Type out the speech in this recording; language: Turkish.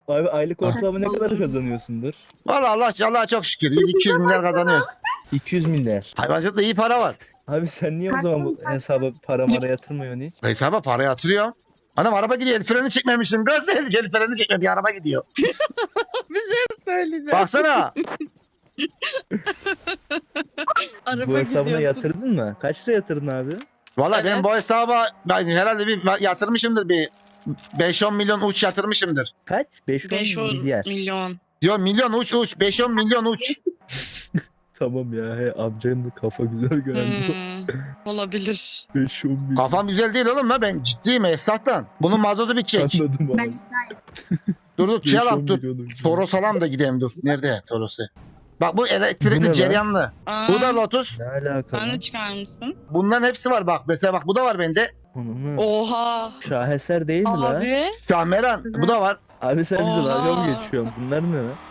Abi aylık ortalama ne kadar kazanıyorsundur? Valla Allah çok şükür 200 milyar kazanıyoruz. 200 milyar. Hayvancılıkta iyi para var. Abi sen niye o zaman bu hesaba para mara yatırmıyorsun hiç? Hesaba para yatırıyor. Anam araba gidiyor, el freni çekmemişsin. Gaz el freni çekme, bir araba gidiyor. Bir şey söyleyeceğim. Baksana. Araba Bu hesabına gidiyor. yatırdın mı? Kaç lira yatırdın abi? Valla Evet. ben bu hesaba herhalde bir yatırmışımdır, bir 5-10 milyon uç yatırmışımdır. Kaç? 5 500 milyar. milyon. Diyor milyon uç 5-10 milyon uç. Tamam ya he, amcanın da kafa güzel galiba. Olabilir. 5-10 milyon. Kafam güzel değil oğlum la, ben ciddiyim Esat'tan. Bunun mazotu bitecek. Anladım abi. Dur 5-10 çalalım dur. milyon ucu. Toros alalım da gidelim dur. Nerede Toros'u? Bak bu Bu ne elektrikli lan? cereyanlı. Aa, Bu da Lotus. Ne alaka sen de lan? çıkarmışsın. Bunların hepsi var bak. Mesela bak bu da var bende. Ananı. Oha. Şaheser değil mi la? Abi. Şahmeran bu da var. Abi sen bize dalga mı Oha. geçiyorsun? Bunlar ne lan?